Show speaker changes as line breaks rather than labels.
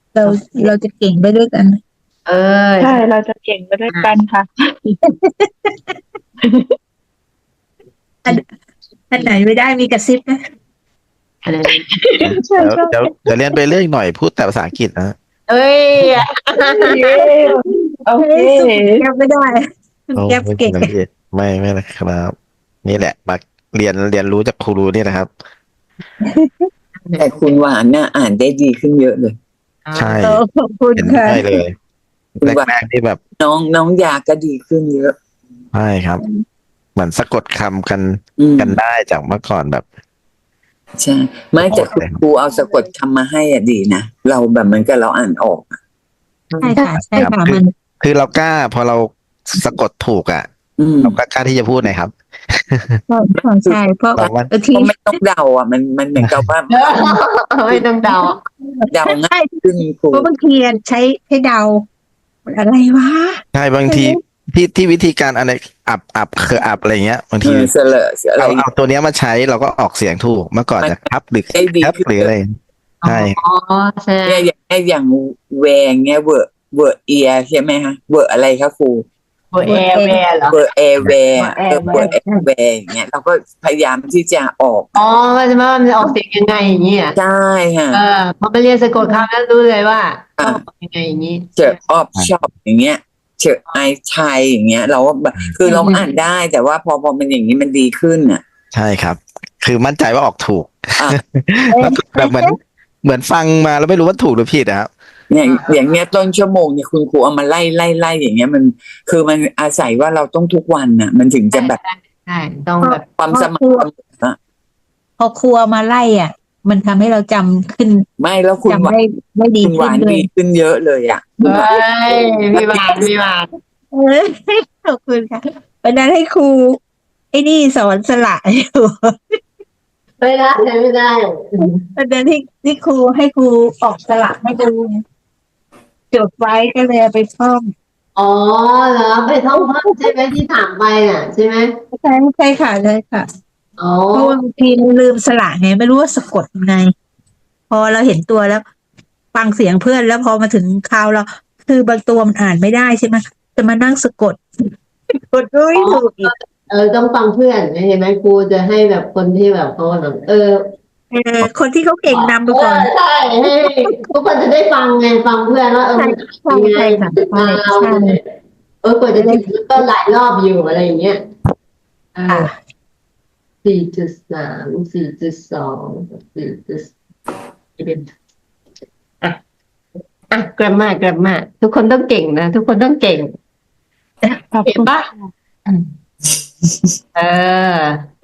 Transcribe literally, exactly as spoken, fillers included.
เราเราจะเก่งไปด้วยกัน
เออ
ใช่เราจะเก่งไปด้วยกันค่ะ
อันอันไหนไม่ได้มีกระซิบนะ
อะไรนะ
ใช่
เดี๋ยว
ใช่
เดี๋ยวเดี๋ยวเรียนไปเรื่อยหน่อยพูดแต่ภาษาอังกฤษนะ
เอ้ย
เย้โอเค
สู้แก้วไม่ได้
โอ้
แก้ว
ไม่
เก่ง
ไม่ไม่ไม่นะครับ นี่แหละมาเรียนเรียนรู้จากครูนี่นะครับ
แต่คุณหวานน่ะอ่านได้ดีขึ้นเยอะเลย
ใช่
เออขอบคุณ
เห็น
ค่ะ
ได้เลย
คุณหวาน
แรกๆที่แบบ
น้องน้องยาก็ดีขึ้นเยอะ
ใช่ครับ เหมือนสะกดคำกัน
อืม
กันได้จากเมื่อก่อนแบบ
ใช่ไม่แต่คุณครูเอาสะกดคำมาให้อ่ะดีนะเราแบบเหมันก็เราอ่านออกอะ
ใช่ค่ะใช่
ครับ
ค่ะ
คือ
มัน
คือเรากล้าพอเราสะกดถูกอ่ะ
อืม
เราก็กล้าที่จะพูดนะครับ
ใช่เพราะ
บางวัน
บางที
ก็ไม่ต้องเดาอ่ะมันมันเหมือนกับว่า
ไม่ต้องเดา
เดาง่ายขึ้นครู
เพราะบางทีใช้ให้เดามันอะไรวะ
ใช่บางทีที่ที่วิธีการอะไรอับอับคืออับอะไรเงี้ยบาง
เอ
ที
อเสลออะไร
เราเอาตัวเนี้ยมาใช้เราก็ออกเสียงถูกเมื่อก่อนจะครับหรือ
ได้ดี
ครับ
ขึ้น
หรืออะไรใช่
อ๋อใช่
เนี่ยอย่างเนี่ยอย่างแวงเนี่ยเวอร์เวอร์เอียใช่ไหมคะเวอร์อะไรคะครู
โอแอร์แวร์เหรอ
เวอร์แอร์แวร์
เอ
เอ
อ
อเวอร์แอร์แวร์อย่างเงี้ยเราก็พยายามที่จะออก
อ๋อว่าจะว่ามันจะออกเสียงยังไงอย่างนี้อ่ะ
ใช่ค่ะ
เออพอไปเรียนสะกดคำแล้วรู้เลยว่าต้องออกยังไงอย่างนี้
เจอออฟชอปอย่างเงี้ยเจอไอชัยอย่างเงี้ย เราก็แบบคือเราอ่านได้แต่ว่าพอพอมันอย่างนี้มันดีขึ้นอ่ะ
ใช่ครับ คือมั่นใจว่าออกถูก
อ่ะ
แล้วแบบเหมือนเหมือนฟังมาแล้วไม่รู้ว่าถูกหรือผิดนะครับ
เนี่ยอย่างเงี้ยต้นชั่วโมงเนี่ยคุณครูเอามาไล่ไล่ไล่อย่างเงี้ยมันคือมันอาศัยว่าเราต้องทุกวันน่ะ มันถึงจะแบบ
ใช่ต้องแบบ
ความสม่ำเสมออะ
พอครัวมาไล่อ่ะ มันทำให้เราจำขึ้น
ไม่แล้วคุณห
จำ
วาน
ได้ไม่ดี
คุณห
ขึ้น
วาน
ด้วย
ดีขึ้นเยอะเลยอ่ะ
เฮ้ยพี่บาทพี่บาท
เออขอบคุณค่ะวันนั้นให้ครูไอ้นี่สอนสละอยู่
ไม่ได้ไม่ได้
วันนั้นที่ที่ครูให้ครูออกสละให้ดูจดไว้ก็เลยเอาไปท่อง
อ๋อเหรอไปท่องเพิ่มใช่ไหมที่ถามไปน่ะใช่ไหม
ใช่ใช่ค่ะใช่ค่ะ
อ๋อ
เพราะว่าบางทีลืมสละไงไม่รู้ว่าสะกดยังไง พอเราเห็นตัวแล้ว ฟังเสียงเพื่อนแล้วพอมาถึงคราวเรา คือบางตัวมันอ่านไม่ได้ใช่ไหมจะมานั่งสะกดกดด้วยถูกอีก
เออต้องฟังเพื่อนเห็นไหมครูจะให้แบบคนที่แบบเขาแบบเออ
เออคนที่เขาเก่งนำไปก่อน
เใช่ให้ทุกคนจะได้ฟังไงฟังเพื่อนว่าเออมัน
ใช่
ยังไง
ใช่ค่ะ
มาเรา
ใช่
เออกว่าจะถึงก็หลายรอบอยู่อะไรอย่างเงี้ยอ่า
ค่ะ
สี่จุดสามสี่จุดสองสี่จุดเป็นอ่ะอ่ะกลับมากลับมาทุกคนต้องเก่งนะทุกคนต้องเก่ง
ขอบ
เห็น
คุณ
ปะเออ